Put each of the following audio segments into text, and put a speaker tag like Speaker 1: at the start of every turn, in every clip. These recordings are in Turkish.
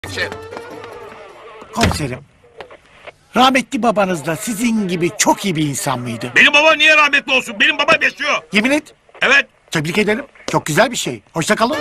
Speaker 1: Komiserim, rahmetli babanız da sizin gibi çok iyi bir insan mıydı?
Speaker 2: Benim baba niye rahmetli olsun? Benim babam yaşıyor.
Speaker 1: Yemin et.
Speaker 2: Evet.
Speaker 1: Tebrik ederim. Çok güzel bir şey. Hoşça kalın.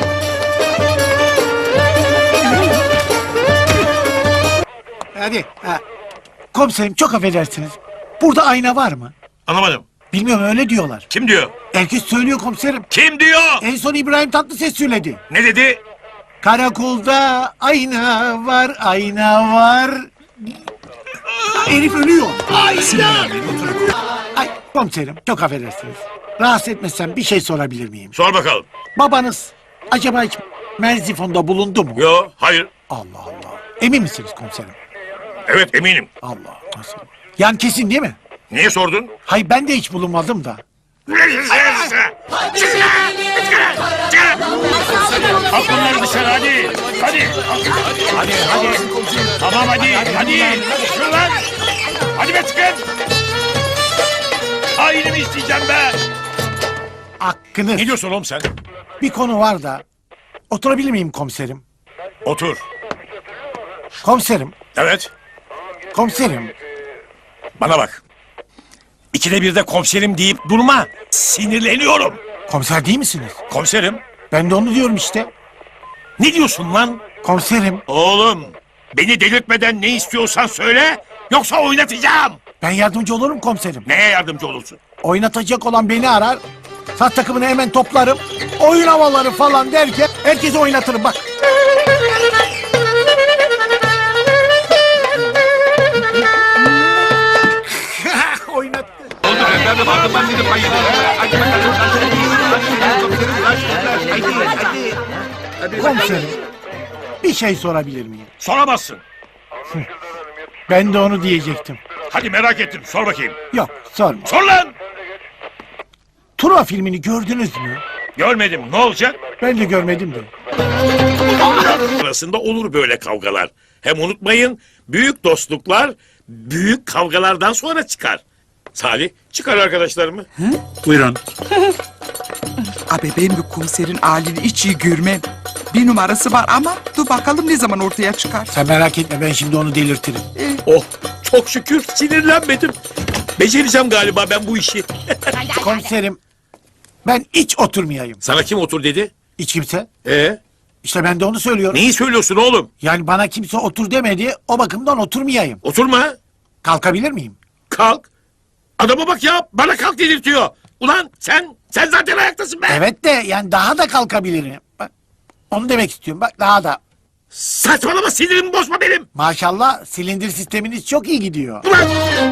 Speaker 1: Hadi. Komiserim çok affedersiniz. Burada ayna var mı?
Speaker 2: Anlamadım.
Speaker 1: Bilmiyorum öyle diyorlar.
Speaker 2: Kim diyor?
Speaker 1: Herkes söylüyor komiserim.
Speaker 2: Kim diyor?
Speaker 1: En son İbrahim Tatlıses söyledi.
Speaker 2: Ne dedi?
Speaker 1: Karakolda ayna var, ayna var. Herif ölüyor. Ayna! Ay komiserim çok affedersiniz. Rahatsız etmezsem bir şey sorabilir miyim?
Speaker 2: Sor bakalım.
Speaker 1: Babanız acaba hiç Merzifon'da bulundu mu?
Speaker 2: Yo, hayır.
Speaker 1: Allah Allah. Emin misiniz komiserim?
Speaker 2: Evet, eminim.
Speaker 1: Allah nasıl? Yani kesin değil mi?
Speaker 2: Niye sordun?
Speaker 1: Hayır ben de hiç bulunmadım da.
Speaker 2: Al bunları dışarı hadi. Hadi. Hadi hadi. Tamam hadi. Hadi. Çıkın lan. Hadi be çıkın. Ailemi isteyeceğim be.
Speaker 1: Hakkınız.
Speaker 2: Ne diyorsun oğlum sen?
Speaker 1: Bir konu var da. Oturabilir miyim komiserim?
Speaker 2: Otur.
Speaker 1: Komiserim.
Speaker 2: Evet.
Speaker 1: Komiserim.
Speaker 2: Bana bak. İkide bir de komiserim deyip durma. Sinirleniyorum.
Speaker 1: Komiser değil misiniz?
Speaker 2: Komiserim.
Speaker 1: Ben de onu diyorum işte.
Speaker 2: Ne diyorsun lan?
Speaker 1: Komiserim.
Speaker 2: Oğlum. Beni delirtmeden ne istiyorsan söyle. Yoksa oynatacağım.
Speaker 1: Ben yardımcı olurum komiserim.
Speaker 2: Neye yardımcı olursun?
Speaker 1: Oynatacak olan beni arar. Sat takımını hemen toplarım. Oyun havaları falan derken herkesi oynatırım bak. Oynattı. Komiserim. Bir şey sorabilir miyim?
Speaker 2: Soramazsın.
Speaker 1: Ben de onu diyecektim.
Speaker 2: Hadi merak ettim. Sor bakayım.
Speaker 1: Yok sorma.
Speaker 2: Sor lan.
Speaker 1: Truva filmini gördünüz mü?
Speaker 2: Görmedim. Ne olacak?
Speaker 1: Ben de görmedim de.
Speaker 2: Arasında olur böyle kavgalar. Hem unutmayın büyük dostluklar büyük kavgalardan sonra çıkar. Salih çıkar arkadaşlarımı.
Speaker 1: Buyurun.
Speaker 3: Abi ben bu komiserin halini hiç iyi görmem. Bir numarası var ama dur bakalım ne zaman ortaya çıkar.
Speaker 1: Sen merak etme ben şimdi onu delirtirim.
Speaker 2: Oh çok şükür sinirlenmedim. Becereceğim galiba ben bu işi.
Speaker 1: Komiserim ben hiç oturmayayım.
Speaker 2: Sana kim otur dedi?
Speaker 1: Hiç kimse. İşte ben de onu söylüyorum.
Speaker 2: Neyi söylüyorsun oğlum?
Speaker 1: Yani bana kimse otur demedi o bakımdan oturmayayım.
Speaker 2: Oturma.
Speaker 1: Kalkabilir miyim?
Speaker 2: Kalk. Adama bak ya bana kalk dedirtiyor. Ulan sen zaten ayaktasın be.
Speaker 1: Evet de yani daha da kalkabilirim. Bak onu demek istiyorum bak daha da.
Speaker 2: Saçmalama sinirimi bozma benim.
Speaker 1: Maşallah silindir sisteminiz çok iyi gidiyor.
Speaker 2: Ulan.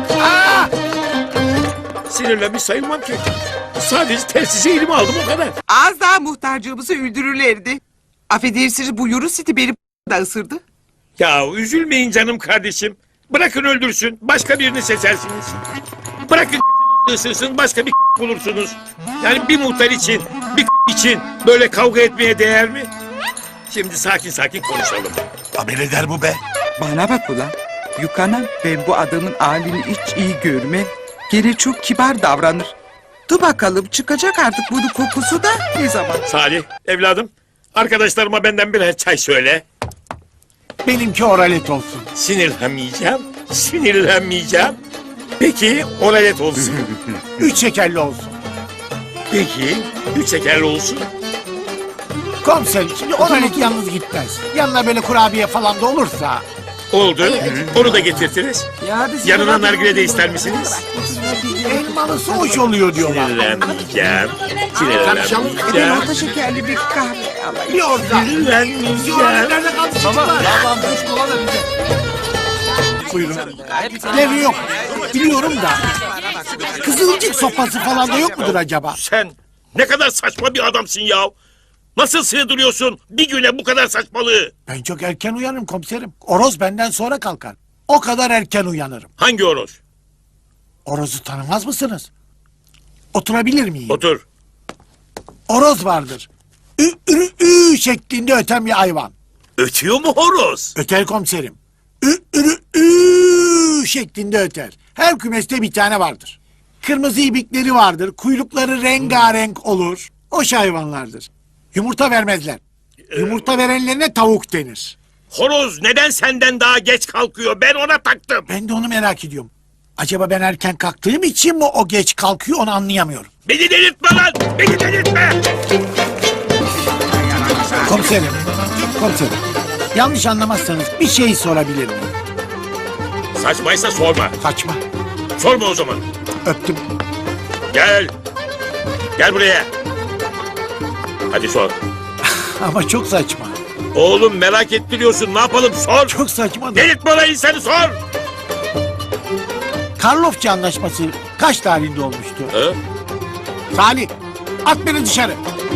Speaker 2: Sinirlenmiş sayılmam ki. Sadece telsizi elime aldım o kadar.
Speaker 3: Az daha muhtarcığımızı öldürürlerdi. Affedersiniz bu Yunus City beni da ısırdı.
Speaker 2: Ya üzülmeyin canım kardeşim. Bırakın öldürsün. Başka birini seçersiniz. Bırakın ısırsın başka bir bulursunuz. Yani bir muhtar için, bir için böyle kavga etmeye değer mi? Şimdi sakin sakin konuşalım. Haber eder bu be.
Speaker 3: Bana bak ulan. Yukanam ben bu adamın halini hiç iyi görmem. Gene çok kibar davranır. Dur bakalım çıkacak artık bunun kokusu da ne zaman?
Speaker 2: Salih evladım arkadaşlarıma benden birer çay söyle.
Speaker 1: Benimki oralet olsun.
Speaker 2: Sinirlenmeyeceğim. Peki oralet olsun.
Speaker 1: 3 şekerli olsun.
Speaker 2: Peki 3 şekerli olsun.
Speaker 1: Komiserim şimdi oralet yalnız gitmez. Yanına böyle kurabiye falan da olursa.
Speaker 2: Oldu. Onu da getirtiriz.
Speaker 3: Ya hadi
Speaker 2: Yanına nargile de ister misiniz?
Speaker 1: Elmalısı hoş oluyor diyorlar.
Speaker 2: Sinirlenmeyeceğim.
Speaker 3: Ben orta şekerli bir kahve alayım.
Speaker 1: Bir orada.
Speaker 2: Sinirlenmeyeceğim.
Speaker 1: Nerede kaldı çocuklar? Buyurun. Devri yok. Biliyorum da. Kızılcık sopası falan da yok mudur acaba?
Speaker 2: Sen ne kadar saçma bir adamsın ya. Nasıl sığdırıyorsun bir güne bu kadar saçmalığı?
Speaker 1: Ben çok erken uyanırım komiserim. Oroz benden sonra kalkar. O kadar erken uyanırım.
Speaker 2: Hangi horoz?
Speaker 1: Oroz'u tanımaz mısınız? Oturabilir miyim?
Speaker 2: Otur.
Speaker 1: Oroz vardır. Ü, ü, ü şeklinde öten bir hayvan.
Speaker 2: Ötüyor mu horoz?
Speaker 1: Öter komiserim. Ü, ü, ü şeklinde öter. Her kümeste bir tane vardır. Kırmızı ibikleri vardır. Kuyrukları rengarenk olur. O hayvanlardır. Yumurta vermezler. Yumurta verenlerine tavuk denir.
Speaker 2: Horoz neden senden daha geç kalkıyor? Ben ona taktım.
Speaker 1: Ben de onu merak ediyorum. Acaba ben erken kalktığım için mi o geç kalkıyor onu anlayamıyorum.
Speaker 2: Beni delirtme lan! Beni delirtme!
Speaker 1: Komiserim, komiserim. Yanlış anlamazsanız bir şey sorabilir miyim?
Speaker 2: Saçmaysa sorma.
Speaker 1: Saçma.
Speaker 2: Sorma o zaman.
Speaker 1: Öptüm.
Speaker 2: Gel. Gel buraya. Hadi sor.
Speaker 1: Ama çok saçma.
Speaker 2: Oğlum merak ettiriyorsun. Ne yapalım? Sor.
Speaker 1: Çok saçma da.
Speaker 2: Delirtme lan insanı sor.
Speaker 1: Karlofça Anlaşması kaç tarihinde olmuştu?
Speaker 2: Hı?
Speaker 1: Salih, at beni dışarı.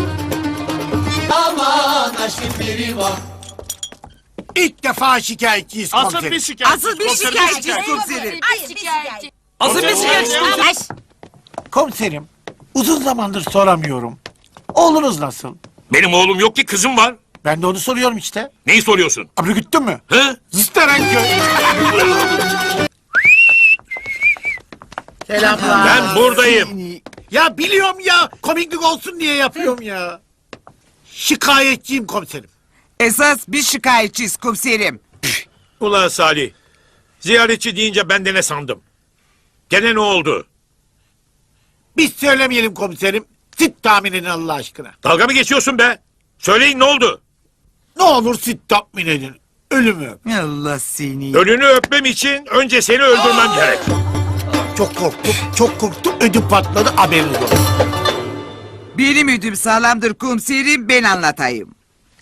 Speaker 1: İlk defa şikayetçiyiz komiserim.
Speaker 3: Asıl bir şikayetçiyiz komiserim.
Speaker 4: Asıl bir şikayetçi.
Speaker 1: Komiserim, uzun zamandır soramıyorum. Oğlunuz nasıl?
Speaker 2: Benim oğlum yok ki kızım var.
Speaker 1: Ben de onu soruyorum işte.
Speaker 2: Neyi soruyorsun?
Speaker 1: Abri güttün mü?
Speaker 2: Hı?
Speaker 1: Zisterenköy. Selamlar.
Speaker 2: Ben buradayım.
Speaker 1: Ya biliyorum ya. Komiklik olsun diye yapıyorum ya. Şikayetçiyim komiserim.
Speaker 3: Esas bir şikayetçiyiz komiserim.
Speaker 2: Ulan Salih. Ziyaretçi deyince ben de ne sandım? Gene ne oldu?
Speaker 1: Biz söylemeyelim komiserim. Siz tahmin edin Allah aşkına.
Speaker 2: Dalga mı geçiyorsun be? Söyleyin ne oldu?
Speaker 1: Ne olur siz tahmin edin. Ölümü.
Speaker 3: Allah seni.
Speaker 2: Ölünü öpmem için önce seni öldürmem gerek.
Speaker 1: Çok korktum. Çok korktum. Ödüm patladı. Haberiniz olsun.
Speaker 3: Benim ödüm sağlamdır komiserim, ben anlatayım.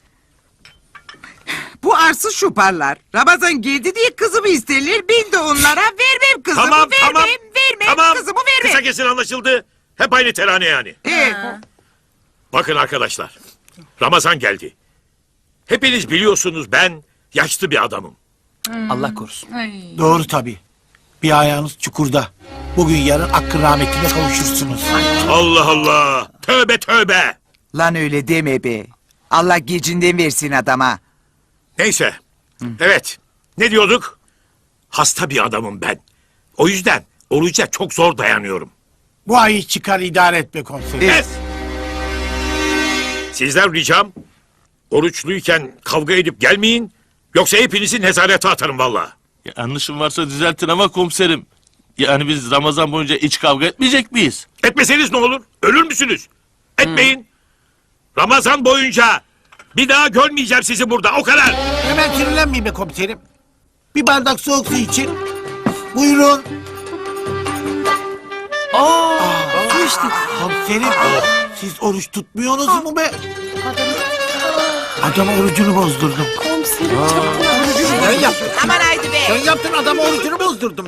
Speaker 3: Bu arsız şuparlar Ramazan geldi diye kızımı isterler, ben de onlara vermem kızımı,
Speaker 2: Tamam
Speaker 3: vermem,
Speaker 2: tamam.
Speaker 3: vermem,
Speaker 2: Tamam.
Speaker 3: kızımı
Speaker 2: Kısa
Speaker 3: vermem.
Speaker 2: kesin anlaşıldı. Hep aynı terane yani. Bakın arkadaşlar. Ramazan geldi. Hepiniz biliyorsunuz ben yaşlı bir adamım.
Speaker 4: Allah korusun.
Speaker 1: Doğru tabii. Bir ayağınız çukurda. Bugün yarın hakkın rahmetine kavuşursunuz.
Speaker 2: Allah Allah. Tövbe tövbe.
Speaker 3: Lan öyle deme be. Allah gecinden versin adama.
Speaker 2: Neyse. Evet. Ne diyorduk? Hasta bir adamım ben. O yüzden oruca çok zor dayanıyorum.
Speaker 1: Bu ayı çıkar idare etme komiserim.
Speaker 2: Kes! Sizden ricam oruçluyken kavga edip gelmeyin. Yoksa hepinizi nezarete atarım valla.
Speaker 5: Yanlışım varsa düzeltin ama komiserim. Yani biz Ramazan boyunca hiç kavga etmeyecek miyiz?
Speaker 2: Etmeseniz ne olur? Ölür müsünüz? Etmeyin. Ramazan boyunca bir daha görmeyeceğim sizi burada. O kadar.
Speaker 1: Hemen sinirlenmeyin be komiserim. Bir bardak soğuk su için. Buyurun. Su içtik. Komiserim. Siz oruç tutmuyorsunuz mu be? Adamın orucunu bozdurdum. Sen yaptın.
Speaker 3: Aman haydi be.
Speaker 1: Sen yaptın adamın orucunu bozdurdum.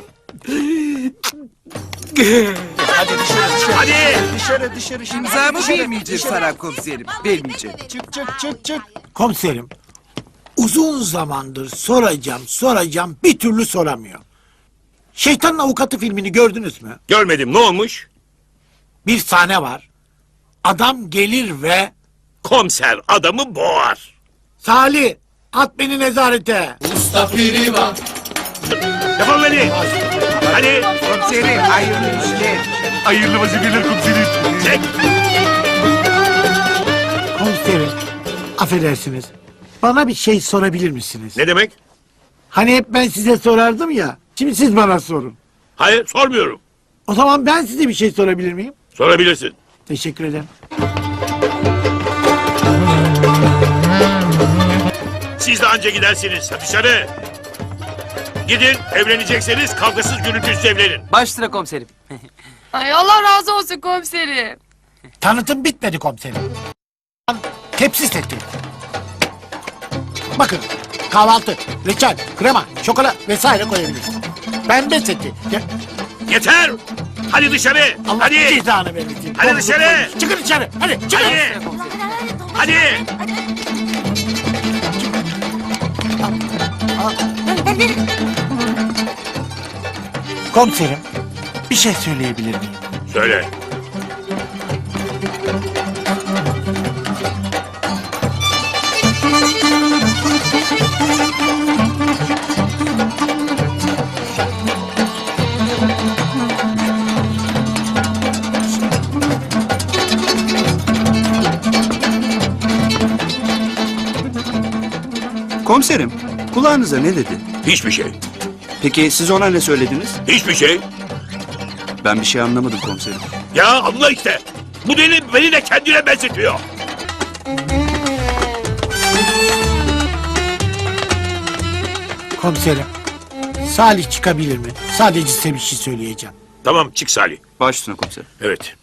Speaker 2: Hadi.
Speaker 3: İmzamı vermeyeceğim sana komiserim, vermeyeceğim.
Speaker 1: Komiserim. Uzun zamandır soracağım bir türlü soramıyor. Şeytanın Avukatı filmini gördünüz mü?
Speaker 2: Görmedim. Ne olmuş?
Speaker 1: Bir sahne var. Adam gelir ve
Speaker 2: Komiser adamı boğar.
Speaker 1: Salih at beni nezarete.
Speaker 2: Yapalım hadi. Hadi.
Speaker 3: Komiserim, hayırlı işler.
Speaker 5: Hayırlı vazifeler komiserim.
Speaker 2: Çek.
Speaker 1: Komiserim affedersiniz. Bana bir şey sorabilir misiniz?
Speaker 2: Ne demek?
Speaker 1: Hani hep ben size sorardım ya. Şimdi siz bana sorun.
Speaker 2: Hayır sormuyorum.
Speaker 1: O zaman ben size bir şey sorabilir miyim?
Speaker 2: Sorabilirsin.
Speaker 1: Teşekkür ederim.
Speaker 2: Siz de anca gidersiniz. Dışarı. Gidin evlenecekseniz kavgasız gürültüsüz evlenin.
Speaker 4: Baş sıra komiserim.
Speaker 6: Ay Allah razı olsun komiserim.
Speaker 1: Tanıtım bitmedi komiserim. Tepsi seti. Bakın kahvaltı, reçel, krema, şokola vesaire koyabilirsiniz. Pembe seti.
Speaker 2: Yeter. Hadi dışarı.
Speaker 1: Allah
Speaker 2: Hadi.
Speaker 1: cezanı vermesin.
Speaker 2: Hadi dışarı.
Speaker 1: Çıkın dışarı. Hadi çıkın.
Speaker 2: Hadi. Hadi.
Speaker 1: Komiserim bir şey söyleyebilir miyim?
Speaker 2: Söyle.
Speaker 7: Komiserim, Kulağınıza ne dedi?
Speaker 2: Hiçbir şey.
Speaker 7: Peki siz ona ne söylediniz?
Speaker 2: Hiçbir şey.
Speaker 7: Ben bir şey anlamadım komiserim.
Speaker 2: Ya anla işte. Bu deli beni de kendine benzetiyor.
Speaker 1: Komiserim. Salih çıkabilir mi? Sadece size bir şey söyleyeceğim.
Speaker 2: Tamam çık Salih.
Speaker 7: Baş üstüne komiserim.
Speaker 2: Evet.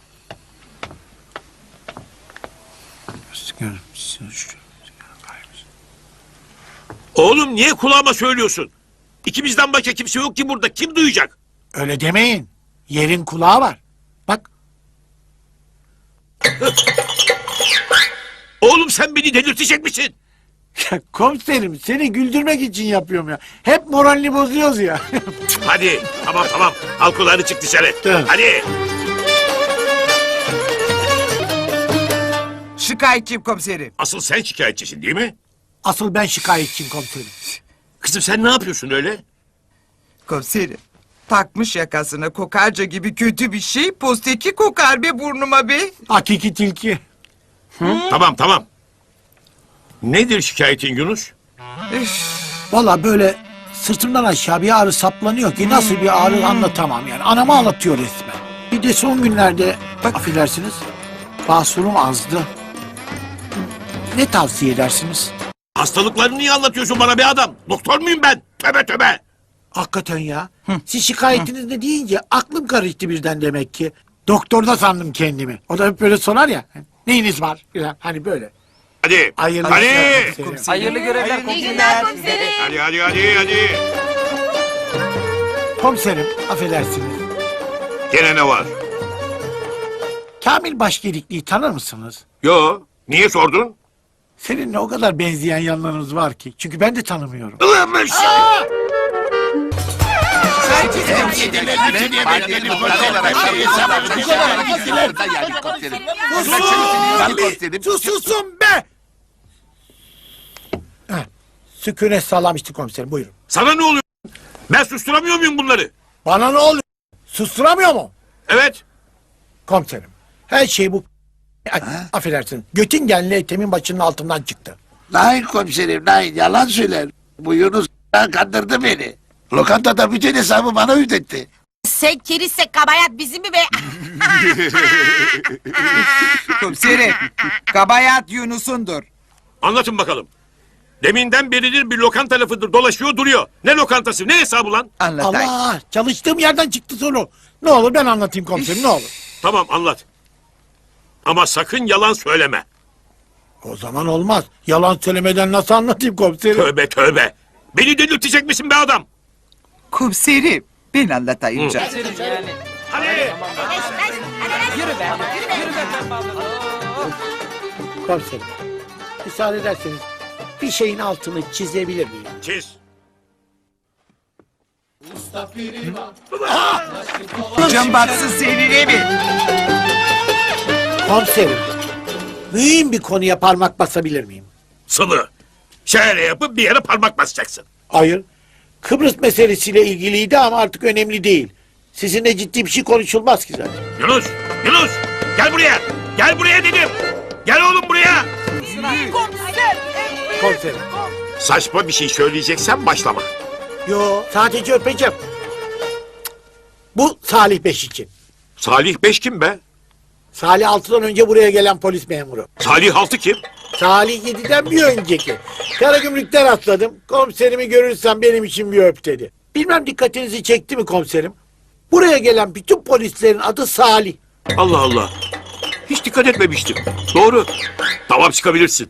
Speaker 2: Oğlum niye kulağıma söylüyorsun? İkimizden başka kimse yok ki burada. Kim duyacak?
Speaker 1: Öyle demeyin. Yerin kulağı var. Bak
Speaker 2: Oğlum sen beni delirtecek misin?
Speaker 1: ya komiserim seni güldürmek için yapıyorum ya. Hep moralini bozuyoruz ya.
Speaker 2: Hadi tamam. Al kulağını çık dışarı.
Speaker 1: Tamam.
Speaker 2: Hadi.
Speaker 3: Şikayetçiyim komiserim.
Speaker 2: Asıl sen şikayetçisin değil mi?
Speaker 1: Asıl ben şikayetçiyim komiserim.
Speaker 2: Kızım sen ne yapıyorsun öyle?
Speaker 3: Komiserim. Takmış yakasına kokarca gibi kötü bir şey. Posteki kokar be burnuma be.
Speaker 1: Hakiki tilki.
Speaker 2: Tamam. Nedir şikayetin Yunus?
Speaker 1: Valla böyle sırtımdan aşağı bir ağrı saplanıyor ki nasıl bir ağrı anlatamam yani. Anamı ağlatıyor resmen. Bir de son günlerde affedersiniz basurum azdı. Ne tavsiye edersiniz?
Speaker 2: Hastalıklarını niye anlatıyorsun bana be adam? Doktor muyum ben? Tövbe.
Speaker 1: Hakikaten ya. Siz şikayetiniz ne deyince aklım karıştı birden demek ki. Doktorda sandım kendimi. O da hep böyle sorar ya. Neyiniz var? Hani böyle.
Speaker 2: Hadi.
Speaker 1: Hayırlı
Speaker 2: Hadi.
Speaker 1: işler komiserim.
Speaker 4: Hayırlı görevler
Speaker 6: İyi
Speaker 4: komiserim.
Speaker 6: günler komiserim.
Speaker 2: Hadi.
Speaker 1: Komiserim affedersiniz.
Speaker 2: Gene ne var?
Speaker 1: Kamil Başgelikli'yi tanır mısınız?
Speaker 2: Yo. Niye sordun?
Speaker 1: Seninle o kadar benzeyen yanlarınız var ki. Çünkü ben de tanımıyorum.
Speaker 2: Ilımış.
Speaker 1: Susun be! Sükûnet sağlamıştı komiserim buyurun.
Speaker 2: Sana ne oluyor? Ben susturamıyor muyum bunları?
Speaker 1: Bana ne oluyor? Susturamıyor mu?
Speaker 2: Evet.
Speaker 1: Komiserim. Her şey bu affedersin. Göttingenli etemin başının altından çıktı.
Speaker 8: Nein komiserim, nein. Yalan söyler. Bu Yunus kandırdı beni. Lokantada bütün hesabı bana ödetti.
Speaker 9: Sen kerizse kabayat bizim mi be?
Speaker 3: Komiserim. Kabayat Yunus'undur.
Speaker 2: Anlatın bakalım. Deminden beridir bir lokanta lafıdır dolaşıyor duruyor. Ne lokantası ne hesabı lan?
Speaker 3: Anlatayım.
Speaker 1: Allah! Çalıştığım yerden çıktı soru. Ne olur ben anlatayım komiserim ne olur.
Speaker 2: Tamam anlat. Ama sakın yalan söyleme.
Speaker 1: O zaman olmaz. Yalan söylemeden nasıl anlatayım komiserim?
Speaker 2: Tövbe. Beni delirtecek misin be adam?
Speaker 3: Komiserim. Ben anlatayım canım.
Speaker 2: Hadi.
Speaker 4: Yürü be. Yürü be pembe abla.
Speaker 1: Komiserim. Müsaade ederseniz bir şeyin altını çizebilir miyim?
Speaker 2: Çiz.
Speaker 3: Can batsın seninle mi?
Speaker 1: Komiserim. Mühim bir konuya parmak basabilir miyim?
Speaker 2: Sılı. Şöyle yapıp bir yere parmak basacaksın.
Speaker 1: Hayır. Kıbrıs meselesiyle ilgiliydi ama artık önemli değil. Sizinle ciddi bir şey konuşulmaz ki zaten.
Speaker 2: Yunus. Gel buraya. Gel buraya dedim. Gel oğlum buraya.
Speaker 1: Komiserim.
Speaker 2: Saçma bir şey söyleyeceksen başlama.
Speaker 1: Yo sadece öpeceğim. Bu Salih Beş için.
Speaker 2: Salih Beş kim be?
Speaker 1: Salih 6'dan önce buraya gelen polis memuru.
Speaker 2: Salih Altı kim?
Speaker 1: Salih 7'den bir önceki. Karagümrük'te rastladım. Komiserimi görürsen benim için bir öp dedi. Bilmem dikkatinizi çekti mi komiserim? Buraya gelen bütün polislerin adı Salih.
Speaker 2: Allah Allah. Hiç dikkat etmemiştim. Doğru. Tamam çıkabilirsin.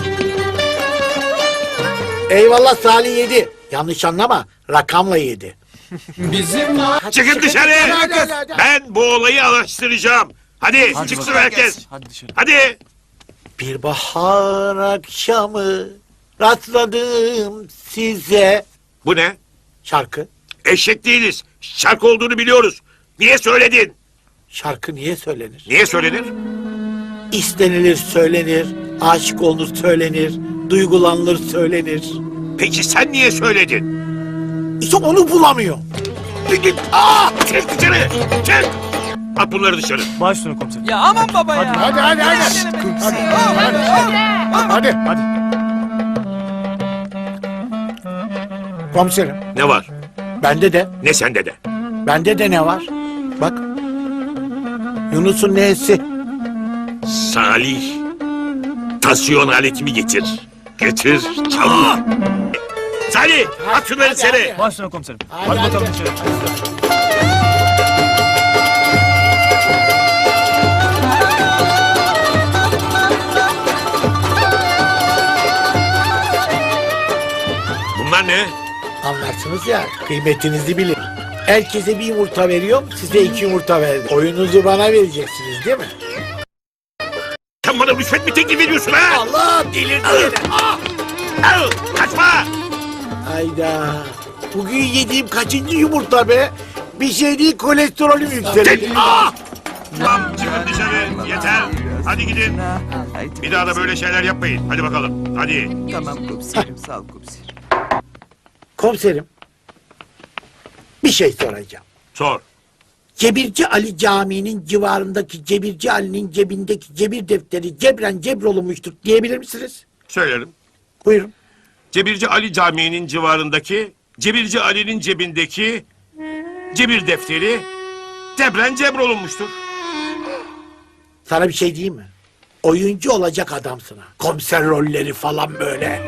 Speaker 1: Eyvallah Salih 7. Yanlış anlama. Rakamla 7.
Speaker 2: Çıkın dışarı.
Speaker 1: Hadi.
Speaker 2: Ben bu olayı araştıracağım. Hadi çıksın herkes.
Speaker 5: Hadi dışarı.
Speaker 2: Hadi.
Speaker 1: Bir bahar akşamı rastladım size.
Speaker 2: Bu ne?
Speaker 1: Şarkı.
Speaker 2: Eşek değiliz. Şarkı olduğunu biliyoruz. Niye söyledin?
Speaker 1: Şarkı niye söylenir?
Speaker 2: Niye söylenir?
Speaker 1: İstenilir söylenir. Aşık olunur söylenir. Duygulanılır söylenir.
Speaker 2: Peki sen niye söyledin?
Speaker 1: İşte onu bulamıyor.
Speaker 2: Çık dışarı. Çık. At bunları dışarı.
Speaker 5: Baş üstüne komiserim.
Speaker 4: Ya aman baba ya.
Speaker 1: Hadi. Hadi. Komiserim,
Speaker 2: Ne var?
Speaker 1: bende de.
Speaker 2: Ne sende de?
Speaker 1: Bende de ne var? Bak. Yunus'un nesi?
Speaker 2: Salih. Tansiyon aletimi getir. Getir çabuk. Salih at şunları seni.
Speaker 4: Başüstüne komiserim.
Speaker 1: Hadi bakalım
Speaker 4: içeri.
Speaker 2: Bunlar ne?
Speaker 1: Anlarsınız ya, kıymetinizi bilin. Herkese bir yumurta veriyorum, size 2 yumurta verdim. Oyununuzu bana vereceksiniz değil mi?
Speaker 2: Sen bana rüşvet mi teklif ediyorsun ha?
Speaker 1: Allah delirdi yine.
Speaker 2: Al, kaçma.
Speaker 1: Hayda. Bugün yediğim kaçıncı yumurta be? Bir şey değil, kolesterolüm yükseldi.
Speaker 2: Tamam çıkın dışarı. Yeter. Hadi gidin.
Speaker 3: Haydi.
Speaker 2: Bir daha da böyle şeyler yapmayın. Hadi bakalım. Hadi.
Speaker 3: Tamam komiserim, sağ ol komiserim.
Speaker 1: Komiserim, bir şey soracağım.
Speaker 2: Sor.
Speaker 1: Cebirci Ali Camii'nin civarındaki Cebirci Ali'nin cebindeki cebir defteri cebren cebrolunmuştur diyebilir misiniz?
Speaker 2: Söylerim.
Speaker 1: Buyurun.
Speaker 2: Cebirci Ali Camii'nin civarındaki, Cebirci Ali'nin cebindeki cebir defteri Debren cebrolunmuştur.
Speaker 1: Sana bir şey diyeyim mi? Oyuncu olacak adamsın ha. Komiser rolleri falan böyle.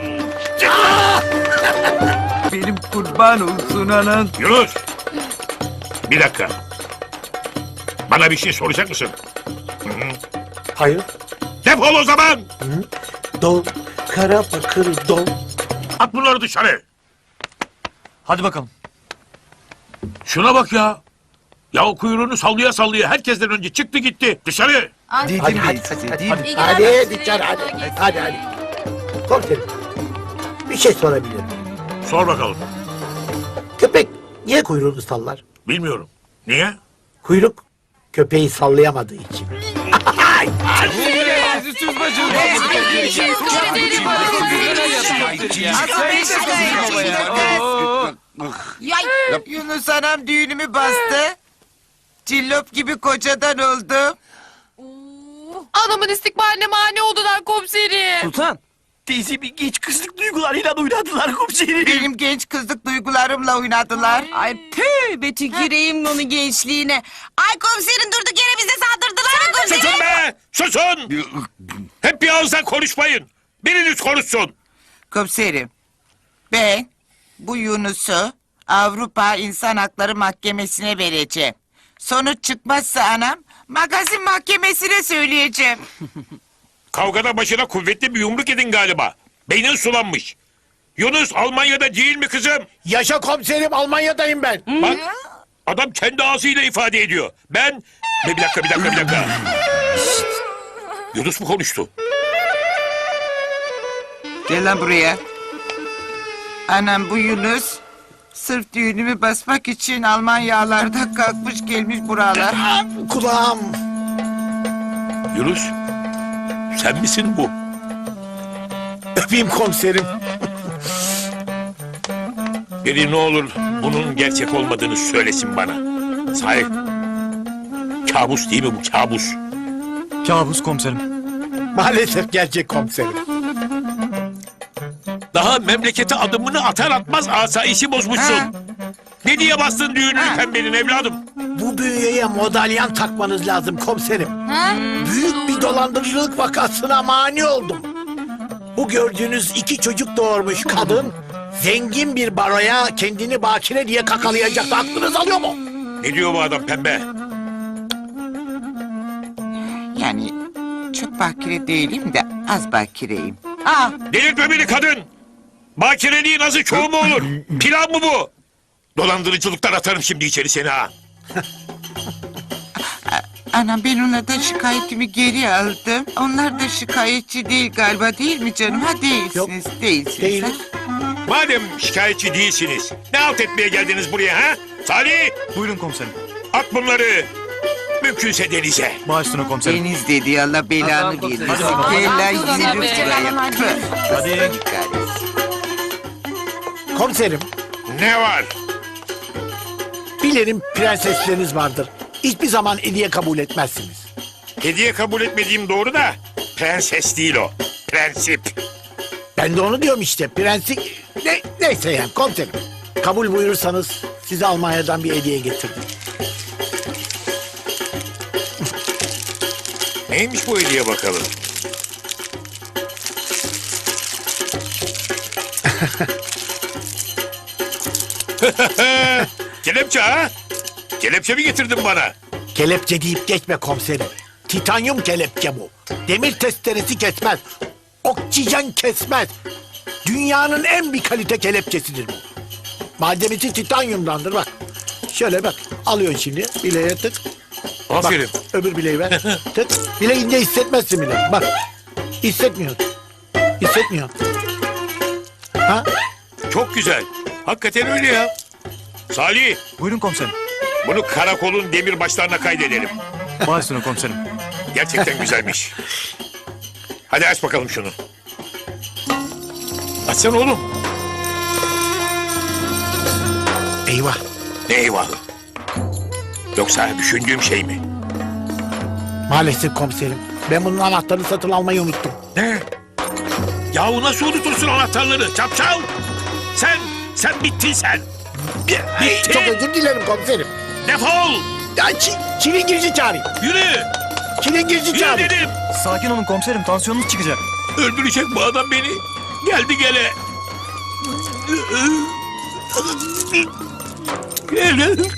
Speaker 3: Benim kurban olsun anan.
Speaker 2: Yunus. Bir dakika. Bana bir şey soracak mısın?
Speaker 1: Hayır.
Speaker 2: Defol o zaman.
Speaker 1: Dol, kara bakır dol.
Speaker 2: At bunları dışarı.
Speaker 4: Hadi bakalım.
Speaker 2: Şuna bak ya. Ya o kuyruğunu sallaya sallaya herkesten önce çıktı gitti. Dışarı.
Speaker 3: Dedim
Speaker 1: Hadi,
Speaker 3: ben
Speaker 1: hadi,
Speaker 3: size değil mi?
Speaker 1: Hadi dışarı hadi. Hadi. Komiserim, bir şey sorabilirim.
Speaker 2: Sor bakalım.
Speaker 1: Köpek niye kuyruğunu sallar?
Speaker 2: Bilmiyorum. Niye?
Speaker 1: Kuyruk köpeği sallayamadığı için.
Speaker 3: Yunus anam düğünümü bastı. Cillop gibi kocadan oldum.
Speaker 6: Adamın istikbaline mani oldular komiserim.
Speaker 4: Sultan. Teyze bir geç kızlık duygularıyla oynadılar komiserim.
Speaker 3: Benim genç kızlık duygularımla oynadılar.
Speaker 9: Ay tüh tüküreyim onun gençliğine. Ay komiserin durduk yere bize saldırdılar mı komiserim?
Speaker 2: Susun be! Susun! Hep bir ağızdan konuşmayın. Biriniz konuşsun.
Speaker 3: Komiserim, ben bu Yunus'u Avrupa İnsan Hakları Mahkemesi'ne vereceğim. Sonuç çıkmazsa anam magazin mahkemesine söyleyeceğim.
Speaker 2: Kavgada başına kuvvetli bir yumruk edin galiba. Beynin sulanmış. Yunus Almanya'da değil mi kızım?
Speaker 1: Yaşa komiserim, Almanya'dayım ben.
Speaker 2: Bak adam kendi ağzıyla ifade ediyor. Ben... Bir dakika. Yunus mu konuştu?
Speaker 3: Gel lan buraya. Anam bu Yunus sırf düğünümü basmak için Almanyalarda kalkmış gelmiş buralar.
Speaker 1: Kulağım.
Speaker 2: Yunus sen misin bu?
Speaker 1: Öpeyim komiserim.
Speaker 2: Biri ne olur bunun gerçek olmadığını söylesin bana. Sahi kabus değil mi bu kabus?
Speaker 4: Kabus komiserim.
Speaker 1: Maalesef gerçek komiserim.
Speaker 2: Daha memlekete adımını atar atmaz asayişi bozmuşsun.
Speaker 3: Ha.
Speaker 2: Ne diye bastın düğününü
Speaker 3: Ha.
Speaker 2: pembenin evladım?
Speaker 1: Bu bünyeye modalyan takmanız lazım komiserim. Büyük bir dolandırıcılık vakasına mani oldum. Bu gördüğünüz 2 çocuk doğurmuş kadın zengin bir baroya kendini bakire diye kakalayacaktı. Aklınız alıyor mu?
Speaker 2: Ne diyor bu adam pembe?
Speaker 3: Yani çok bakire değilim de az bakireyim. Aa,
Speaker 2: Delirtme beni kadın! Bakireliğin azı çoğu mu olur? Plan mı bu? Dolandırıcılıktan atarım şimdi içeri seni ha.
Speaker 3: anam ben onlardan şikayetimi geri aldım. Onlar da şikayetçi değil galiba değil mi canım? Ha değilsiniz, değilsiniz.
Speaker 1: Değiliz.
Speaker 2: Madem şikayetçi değilsiniz, ne alt etmeye geldiniz buraya ha? Salih,
Speaker 4: Buyurun komiserim.
Speaker 2: at bunları. Mümkünse denize.
Speaker 4: Başüstüne komiserim.
Speaker 3: Deniz dedi Allah belanı
Speaker 4: Hadi
Speaker 3: versin.
Speaker 4: bakalım.
Speaker 3: Gel lan
Speaker 6: Hadi
Speaker 3: yürü
Speaker 6: bakalım.
Speaker 3: buraya. Tüh.
Speaker 4: Hadi.
Speaker 1: Komiserim,
Speaker 2: Ne var?
Speaker 1: bilirim prensesleriniz vardır. Hiçbir zaman hediye kabul etmezsiniz.
Speaker 2: Hediye kabul etmediğim doğru da prenses değil o. Prensip.
Speaker 1: Ben de onu diyorum işte. Neyse yani komiserim. Kabul buyurursanız size Almanya'dan bir hediye getirdim.
Speaker 2: Neymiş bu hediye bakalım? Kelepçe ha? Kelepçe mi getirdin bana?
Speaker 1: Kelepçe deyip geçme komiserim. Titanyum kelepçe bu. Demir testeresi kesmez. Oksijen kesmez. Dünyanın en bir kalite kelepçesidir bu. Malzemesi titanyumdandır bak. Şöyle bak. Alıyorsun şimdi. Bileğe tık.
Speaker 2: Aferin.
Speaker 1: Bak, öbür bileği ver. Tık. Bileğinde hissetmezsin bile. Bak. Hissetmiyorsun. Hissetmiyor. Ha?
Speaker 2: Çok güzel. Hakikaten öyle ya. Salih,
Speaker 10: Buyurun komiserim.
Speaker 2: bunu karakolun demir başlarına kaydedelim.
Speaker 10: Baş üstüne komiserim.
Speaker 2: Gerçekten güzelmiş. Hadi aç bakalım şunu. Açsana oğlum.
Speaker 1: Eyvah.
Speaker 2: Ne eyvahı? Yoksa düşündüğüm şey mi?
Speaker 1: Maalesef komiserim. Ben bunun anahtarını satın almayı unuttum.
Speaker 2: Ne? Yahu nasıl unutursun anahtarları? Çapçal! Sen bittin sen. Bittin.
Speaker 1: Çok özür dilerim komiserim.
Speaker 2: Defol!
Speaker 1: Ya çilingirci çağırayım.
Speaker 2: Yürü!
Speaker 1: Çilingirci
Speaker 2: Yürü
Speaker 1: çağırayım.
Speaker 2: dedim!
Speaker 10: Sakin olun komiserim. Tansiyonunuz çıkacak.
Speaker 2: Öldürecek bu adam beni. Geldi gele. Gele.